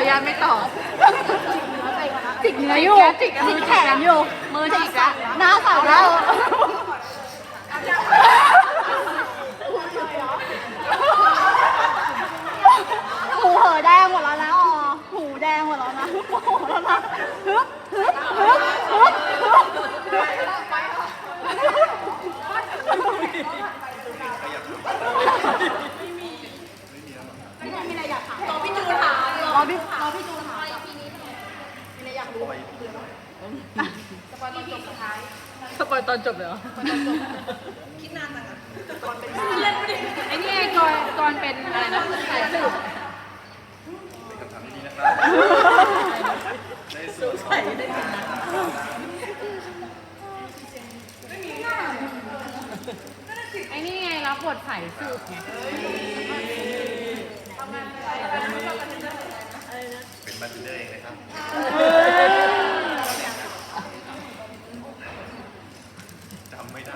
ญาตไม่ตอบจิกเนื้ออยู่จิกแขนอยู่มือจิกละหน้าสั่นแล้วหูเหอแดงหมดแล้วนะอ๋อหูแดงหมดแล้วนะโอ้โหแล้วนะฮึบฮึบฮึบฮึบมีอะไรอยากถามรอพี่จูนถามรอพี่จูนถามมีอะไรอยากรู้สปอยตอนจบสุดท้ายสปอยตอนจบเลยเหรอคิดนานจังอะไอ้นี่ไงกรเป็นอะไรนะสายสืบเป็นคำถามที่ดีนะครับได้สูตรใส่ได้ถึงนะไอ้นี่ไงรับบทสายสืบไงเป็นบาร์เทนเดอร์เองนะครับจำไม่ได้